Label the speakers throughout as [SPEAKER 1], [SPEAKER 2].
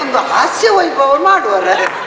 [SPEAKER 1] ಒಂದು ಹಾಸ್ಯ ವೈಭವ ಮಾಡುವರ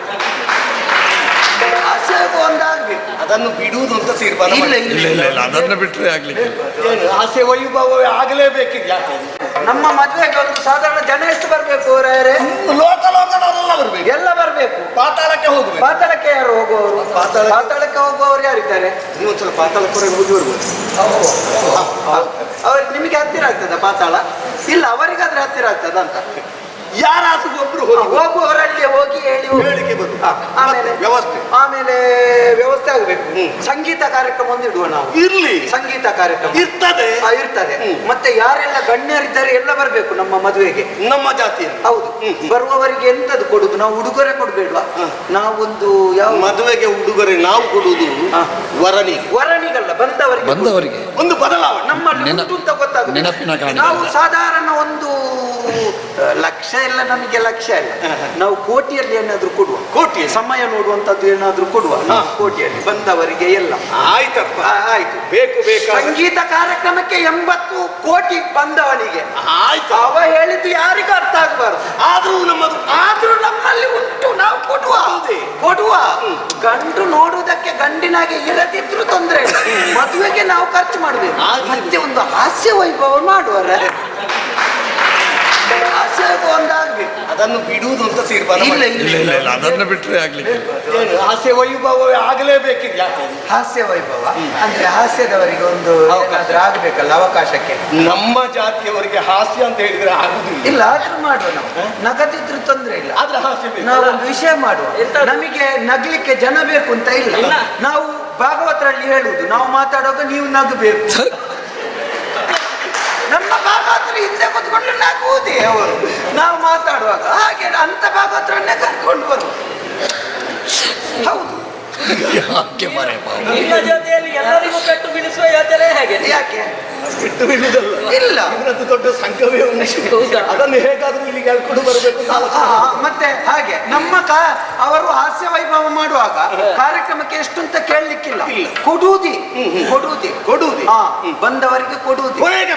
[SPEAKER 1] ಹಾಸ್ಯ ವೈಭವ ಒಂದಾಗ್ಬೇಕು.
[SPEAKER 2] ಅದನ್ನು ಬಿಡುವುದು ಅಂತ ತೀರ್ಮಾನ
[SPEAKER 1] ಇಲ್ಲ
[SPEAKER 3] ಇಲ್ಲ ಇಲ್ಲ ಇಲ್ಲ ಅದನ್ನ ಬಿಟ್ಟರೆ ಆಗ್ಲಿಕ್ಕೆ
[SPEAKER 2] ಏನು ಹಾಸ್ಯ ವೈಭವವೇ ಆಗಲೇಬೇಕಿದೆ. ಯಾಕೆ
[SPEAKER 1] ನಮ್ಮ ಮದುವೆಗೆ ಒಂದು ಸಾಧಾರಣ ಜನ ಎಷ್ಟು ಬರ್ಬೇಕು ಅವರೇ?
[SPEAKER 2] ಲೋಕಲೋಕದವರೆಲ್ಲ ಬರ್ಬೇಕು.
[SPEAKER 1] ಎಲ್ಲ ಬರ್ಬೇಕು.
[SPEAKER 2] ಪಾತಾಳಕ್ಕೆ ಹೋಗ್ಬೇಕು.
[SPEAKER 1] ಪಾತಾಳಕ್ಕೆ ಯಾರು ಹೋಗುವವರು? ಪಾತಾಳಕ್ಕೆ ಹೋಗುವವರು ಯಾರಿದ್ದಾರೆ?
[SPEAKER 2] ಇನ್ನೊಂದ್ಸಲ ಪಾತಾಳಕ್ಕೆ ಹೋಗಿ ಬರ್ಬೋದು.
[SPEAKER 1] ಅವ್ರಿಗೆ ನಿಮಗೆ ಹತ್ತಿರ ಆಗ್ತದ ಪಾತಾಳ? ಇಲ್ಲ, ಅವರಿಗಾದ್ರೆ ಹತ್ತಿರ ಆಗ್ತದ ಅಂತ.
[SPEAKER 2] ಯಾರಾದ್ರೂ ಒಬ್ರು
[SPEAKER 1] ಹೋಗುವವರಲ್ಲಿ ಹೋಗಿ ಹೇಳಿ
[SPEAKER 2] ಹೇಳಿಕೆ ಬರು.
[SPEAKER 1] ಆಮೇಲೆ ವ್ಯವಸ್ಥೆ ಆಗಬೇಕು. ಸಂಗೀತ ಕಾರ್ಯಕ್ರಮ ಒಂದು ಇಡುವ ನಾವು.
[SPEAKER 2] ಇರ್ಲಿ,
[SPEAKER 1] ಸಂಗೀತ ಕಾರ್ಯಕ್ರಮ
[SPEAKER 2] ಇರ್ತದೆ.
[SPEAKER 1] ಮತ್ತೆ ಯಾರೆಲ್ಲ ಗಣ್ಯರಿದ್ದಾರೆ ಎಲ್ಲ ಬರ್ಬೇಕು ನಮ್ಮ ಮದುವೆಗೆ, ನಮ್ಮ ಜಾತಿಯಲ್ಲಿ. ಹೌದು. ಬರುವವರಿಗೆ ಎಂತದ್ದು ಕೊಡುದು? ನಾವು ಉಡುಗೊರೆ ಕೊಡ್ಬೇಡ್ವಾ? ನಾವೊಂದು ಯಾವ
[SPEAKER 2] ಮದುವೆಗೆ ಉಡುಗೊರೆ ನಾವು ಕೊಡುವುದು ವರನಿಗಲ್ಲ,
[SPEAKER 3] ಬಂದವರಿಗೆ
[SPEAKER 2] ಒಂದು ಬದಲಾವಣೆ
[SPEAKER 1] ನಮ್ಮಲ್ಲಿ ಉಂಟು ಅಂತ ಗೊತ್ತಾಗುತ್ತೆ.
[SPEAKER 3] ನೆನಪಿನ ಕಾರಣ
[SPEAKER 1] ನಾವು ಸಾಧಾರಣ ಒಂದು ಲಕ್ಷ ಎಲ್ಲ, ನಮಗೆ ಲಕ್ಷ ಇಲ್ಲ, ನಾವು ಕೋಟಿಯಲ್ಲಿ ಏನಾದ್ರೂ ಕೊಡುವ.
[SPEAKER 2] ಕೋಟಿ
[SPEAKER 1] ಸಮಯ ನೋಡುವಂತದ್ದು ಏನಾದ್ರೂ ಕೊಡುವ ಕೋಟಿಯಲ್ಲಿ ಬಂದವರಿಗೆ ಎಲ್ಲ.
[SPEAKER 2] ಆಯ್ತಪ್ಪ,
[SPEAKER 1] ಆಯ್ತು.
[SPEAKER 2] ಬೇಕು.
[SPEAKER 1] ಸಂಗೀತ ಕಾರ್ಯಕ್ರಮಕ್ಕೆ 80 ಕೋಟಿ ಬಂದವನಿಗೆ.
[SPEAKER 2] ಆಯ್ತು.
[SPEAKER 1] ಅವ ಹೇಳಿದ್ದು ಯಾರಿಗೂ ಅರ್ಥ ಆಗಬಾರ್ದು. ಆದ್ರೂ ನಮ್ಮಲ್ಲಿ ಉಂಟು, ನಾವು ಕೊಡುವ. ಗಂಡು ನೋಡುವುದಕ್ಕೆ ಗಂಡಿನಾಗೆ ಇರದಿದ್ರು ತೊಂದ್ರೆ ಇಲ್ಲ, ಮದುವೆಗೆ ನಾವು ಖರ್ಚು ಮಾಡ್ಬೇಕು. ಮತ್ತೆ ಒಂದು ಹಾಸ್ಯ ವೈಭವ ಮಾಡುವರ ಹಾಸ್ಯ ವೈಭವ ಒಂದಾಗ್ಬೇಕು.
[SPEAKER 2] ಅದನ್ನು ಬಿಡುವುದು ಅಂತ ತೀರ್ಮಾನ
[SPEAKER 3] ಇಲ್ಲ ಇಲ್ಲ ಇಲ್ಲ ಅದನ್ನ ಬಿಟ್ಟರೆ ಆಗ್ಲಿಕ್ಕೆ
[SPEAKER 2] ಏನು ಹಾಸ್ಯ ವೈಭವವೇ ಆಗಲೇಬೇಕಿದೆ. ಯಾಕೆ
[SPEAKER 1] ಹಾಸ್ಯ ವೈಭವ ಅಂದ್ರೆ ಹಾಸ್ಯದವರಿಗೆ ಒಂದು ಏನಾದ್ರೂ ಆಗ್ಬೇಕಲ್ಲ ಅವಕಾಶಕ್ಕೆ.
[SPEAKER 2] ನಮ್ಮ ಜಾತಿಯವರಿಗೆ ಹಾಸ್ಯ ಅಂತ ಹೇಳಿದ್ರೆ ಆಗುದಿಲ್ಲ.
[SPEAKER 1] ಇಲ್ಲ, ಆದ್ರೂ ಮಾಡುವ. ನಾವು ನಗದಿದ್ರು ತೊಂದ್ರೆ ಇಲ್ಲ,
[SPEAKER 2] ಆದ್ರೆ ಹಾಸ್ಯ
[SPEAKER 1] ನಾವೊಂದು ವಿಷಯ ಮಾಡುವ. ನಮಗೆ ನಗ್ಲಿಕ್ಕೆ ಜನ ಬೇಕು ಅಂತ ಇಲ್ಲ. ನಾವು ಭಾಗವತರಲ್ಲಿ ಹೇಳುವುದು, ನಾವು ಮಾತಾಡುವಾಗ ನೀವು ನಗಬೇಕು. ನಮ್ಮ ಭಾಗವತರು ಹಿಂದೆ ಕೂತ್ಕೊಂಡು ನಗುವುದೇ ಅವರು ನಾವು ಮಾತಾಡುವಾಗ. ಹಾಗೆ ಅಂತ ಭಾಗವತರನ್ನೇ ಕರ್ಕೊಂಡು ಬರುವ. ಹೌದು.
[SPEAKER 4] ನಿಮ್ಮ ಜೊತೆಯಲ್ಲಿ ಎಲ್ಲರಿಗೂ ಪೆಟ್ಟು ಬೀಳಿಸುವ ಯೋಚನೆ ಹೇಗೆ?
[SPEAKER 1] ಯಾಕೆ
[SPEAKER 2] ಬಿಟ್ಟು ಬೀಳುವುದಲ್ಲ,
[SPEAKER 1] ಇಲ್ಲ,
[SPEAKER 2] ಇವರದ್ದು ದೊಡ್ಡ ಸಂಘವೇ ಉಂಟು. ಅದನ್ನು ಹೇಗಾದ್ರೂ ಇಲ್ಲಿಗೆ ಹೇಳ್ಕೊಂಡು ಬರಬೇಕು.
[SPEAKER 1] ಮತ್ತೆ ಹಾಗೆ ನಮ್ಮ ಅವರು ಹಾಸ್ಯ ವೈಭವ ಮಾಡುವಾಗ ಕಾರ್ಯಕ್ರಮಕ್ಕೆ ಎಷ್ಟು ಅಂತ ಕೇಳಲಿಕ್ಕಿಲ್ಲ. ಕೊಡುವುದೇ. ಬಂದವರಿಗೆ ಕೊಡುವುದು.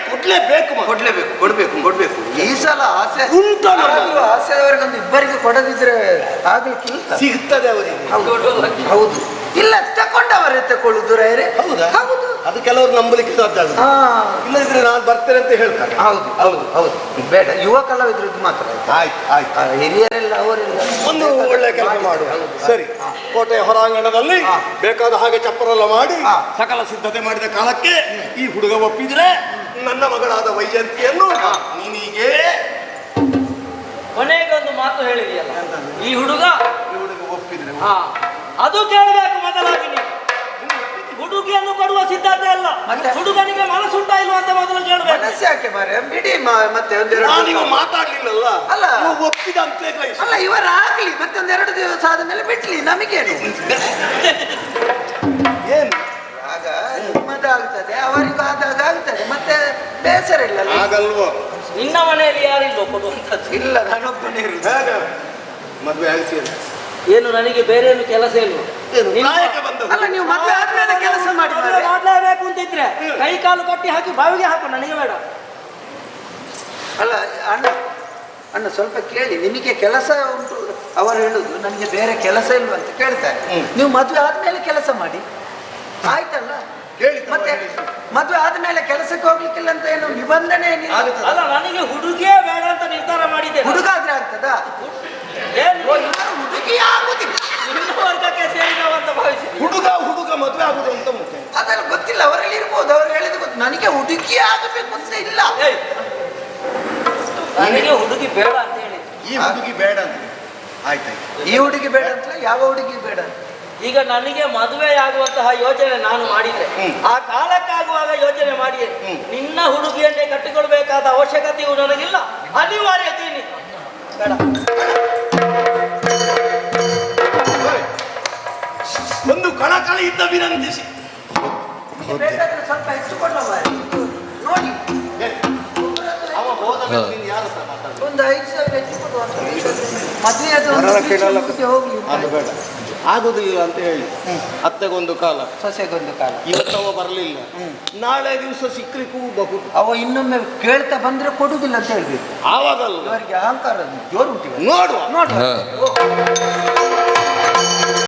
[SPEAKER 1] ಕೊಡ್ಬೇಕು. ಈ ಸಲ ಹಾಸ್ಯ ಹಾಸ್ಯದವರಿಗೊಂದು ಇಬ್ಬರಿಗೆ ಕೊಡದಿದ್ರೆ ಆಗ್ಲಿಕ್ಕಿಲ್ಲ.
[SPEAKER 2] ಸಿಗ್ತದೆ ಅವರಿಗೆ.
[SPEAKER 1] ಹೌದು. ಇಲ್ಲ, ತಕೊಂಡವರೇ ತಕೊಳ್ಳುದು ರೈರೆ. ಹೌದು.
[SPEAKER 2] ಅದು ಕೆಲವರು ನಂಬಲಿಕ್ಕೆ ಸಾಧ್ಯ ಆಗುತ್ತೆ. ಇಲ್ಲದಿದ್ರೆ ನಾನು ಬರ್ತೇನೆ ಅಂತ ಹೇಳ್ತಾರೆ.
[SPEAKER 1] ಹೌದು. ಬೇಡ, ಯುವ ಕಲಾವಿದ್ರದ್ದು ಮಾತ್ರ.
[SPEAKER 2] ಆಯ್ತು.
[SPEAKER 1] ಹಿರಿಯರೆಲ್ಲ ಅವರೆಲ್ಲ
[SPEAKER 2] ಒಂದು ಒಳ್ಳೆ ಕೆಲಸ ಮಾಡುವ. ಸರಿ, ಕೋಟೆಯ ಹೊರಾಂಗಣದಲ್ಲಿ ಬೇಕಾದ ಹಾಗೆ ಚಪ್ಪರೆಲ್ಲ ಮಾಡಿ ಸಕಲ ಸಿದ್ಧತೆ ಮಾಡಿದ ಕಾಲಕ್ಕೆ ಈ ಹುಡುಗ ಒಪ್ಪಿದ್ರೆ ನನ್ನ ಮಗಳಾದ ವೈಜಯಂತಿಯನ್ನು ನೀನೀಗೆ
[SPEAKER 4] ಕೊನೆಗೆ ಒಂದು ಮಾತು ಹೇಳಿದೆಯಲ್ಲ, ಈ ಹುಡುಗ
[SPEAKER 2] ಒಪ್ಪಿದ್ರೆ
[SPEAKER 4] ಅದು ಕೇಳಬೇಕು ಮೊದಲಾಗಿ. ನೀವು ಹುಡುಗಿಯನ್ನು ಕೊಡುವ ಸಿದ್ಧತೆ ಅಲ್ಲ, ಹುಡುಗನಿಗೆ ಮನಸ್ಸುಂಟಾ ಇಲ್ವಾ ಅಂತ ಮೊದಲು ಕೇಳಬೇಕು.
[SPEAKER 1] ಮನಸ್ಸಾಕೆ ಮಾರೆ, ಬಿಡಿ. ಮತ್ತೆ
[SPEAKER 2] ಮಾತಾಡ್ಲಿಲ್ಲಲ್ಲ,
[SPEAKER 1] ಅಲ್ಲ
[SPEAKER 2] ಒಪ್ಪಿದ ಅಂತ
[SPEAKER 1] ಅಲ್ಲ, ಇವರಾಗ್ಲಿ ಮತ್ತೆ ಒಂದೆರಡು ದಿವಸ ಆದ ಮೇಲೆ ಬಿಡ್ಲಿ, ನಮಗೇನು.
[SPEAKER 2] ಏನು
[SPEAKER 1] ಆಗ ನಿಮ್ಮದಾಗ್ತದೆ, ಅವರಿಗೂ ಆದಾಗ ಆಗ್ತದೆ, ಮತ್ತೆ ಬೇಸರ ಇಲ್ಲ.
[SPEAKER 2] ಆಗಲ್ವೋ?
[SPEAKER 4] ನಿನ್ನ ಮನೆಯಲ್ಲಿ ಯಾರಿಲ್ವೋ ಕೊಡುವಂಥದ್ದು?
[SPEAKER 1] ಇಲ್ಲ, ನಾನೊಬ್ಬನೇ ಇರುದು.
[SPEAKER 2] ಮದುವೆ ಆಗಿಸಿ
[SPEAKER 4] ಏನು ನನಗೆ ಬೇರೆ ಏನು ಕೆಲಸ ಇಲ್ವ?
[SPEAKER 1] ಅಲ್ಲ, ನೀವು ಮದುವೆ ಆದ್ಮೇಲೆ ಕೆಲಸ
[SPEAKER 4] ಮಾಡಲೇಬೇಕು ಅಂತಿದ್ರೆ ಕೈ ಕಾಲು ಕಟ್ಟಿ ಹಾಕಿ ಬಾವಿಗೆ ಹಾಕು, ನನಗೆ ಬೇಡ.
[SPEAKER 1] ಅಲ್ಲ ಅಣ್ಣ ಸ್ವಲ್ಪ ಕೇಳಿ, ನಿಮಗೆ ಕೆಲಸ ಉಂಟು ಅವರು ಹೇಳುದು, ನನಗೆ ಬೇರೆ ಕೆಲಸ ಇಲ್ವ ಅಂತ ಕೇಳ್ತಾರೆ. ನೀವು ಮದುವೆ ಆದ್ಮೇಲೆ ಕೆಲಸ ಮಾಡಿ, ಆಯ್ತಲ್ಲ? ಮತ್ತೆ ಮದುವೆ ಆದ್ಮೇಲೆ ಕೆಲಸಕ್ಕೆ ಹೋಗ್ಲಿಕ್ಕಿಲ್ಲ ಅಂತ ಏನು ನಿಬಂಧನೆ
[SPEAKER 4] ಅಲ್ಲ, ನನಗೆ ಹುಡುಗಿಯೇ ಬೇಡ ಅಂತ ನಿರ್ಧಾರ ಮಾಡಿದೆ.
[SPEAKER 1] ಹುಡುಗ ಆದ್ರೆ ಆಗ್ತದ? ಹುಡುಗಿ ಆಗುದಿಲ್ಲ,
[SPEAKER 4] ವರ್ಗಕ್ಕೆ ಸೇರಿದವಂತ ಭಾವಿಸಿ.
[SPEAKER 2] ಹುಡುಗ ಮದುವೆ ಆಗುದು ಅಂತ ಮುಖ್ಯ.
[SPEAKER 1] ಅದೆಲ್ಲ ಗೊತ್ತಿಲ್ಲ, ಅವರಲ್ಲಿ ಇರ್ಬೋದು, ಅವ್ರು ಹೇಳಿದ ಗೊತ್ತು. ನನಗೆ ಹುಡುಗಿ ಆಗಬೇಕು ಅಂತ ಇಲ್ಲ.
[SPEAKER 4] ನನಗೆ ಹುಡುಗಿ ಬೇಡ ಅಂತ ಹೇಳಿ.
[SPEAKER 2] ಈ ಹುಡುಗಿ ಬೇಡ ಅಂತ ಆಯ್ತಾಯ್ತು.
[SPEAKER 1] ಈ ಹುಡುಗಿ ಬೇಡ ಅಂತ, ಯಾವ ಹುಡುಗಿ ಬೇಡ?
[SPEAKER 4] ಈಗ ನನಗೆ ಮದುವೆಯಾಗುವಂತಹ ಯೋಚನೆ ನಾನು ಮಾಡಿದ್ದೆ, ಆ ಕಾಲಕ್ಕಾಗುವಾಗ ಯೋಚನೆ ಮಾಡಿ ನಿನ್ನ ಹುಡುಗಿಯನ್ನೇ ಕಟ್ಟಿಕೊಳ್ಬೇಕಾದ ಅವಶ್ಯಕತೆಯು ನನಗಿಲ್ಲ, ಅನಿವಾರ್ಯತೆ ಬೇಡ.
[SPEAKER 2] ಒಂದು ಕಳಕಳಿಯಿಂದ ವಿನಂತಿಸಿ
[SPEAKER 1] ಸ್ವಲ್ಪ ಹೆಚ್ಚುಕೊಂಡ ನೋಡಿ,
[SPEAKER 2] ಅವ ಹೋದ
[SPEAKER 1] ಒಂದು 5,000 ಹೆಚ್ಚು ಕೊಡುವ. ಮದುವೆ ಹೋಗ್ಲಿ.
[SPEAKER 2] ಆಗುದಿಲ್ಲ ಅಂತ ಹೇಳಿ ಅತ್ತೆಗೊಂದು ಕಾಲ,
[SPEAKER 1] ಸೊಸೆಗೊಂದು ಕಾಲ.
[SPEAKER 2] ಇವತ್ತವ ಬರಲಿಲ್ಲ, ನಾಳೆ ದಿವಸ ಸಿಕ್ಲಿಕ್ಕೂ ಬಹುದು.
[SPEAKER 1] ಅವ ಇನ್ನೊಮ್ಮೆ ಕೇಳ್ತಾ ಬಂದ್ರೆ ಕೊಡುದಿಲ್ಲ ಅಂತ ಹೇಳ್ಬೇಕು.
[SPEAKER 2] ಆವಾಗಲ್ಲ
[SPEAKER 1] ಇವರಿಗೆ ಅಹಂಕಾರ ಜೋರು ಉಂಟು.
[SPEAKER 2] ನೋಡುವ
[SPEAKER 3] ಹಾ.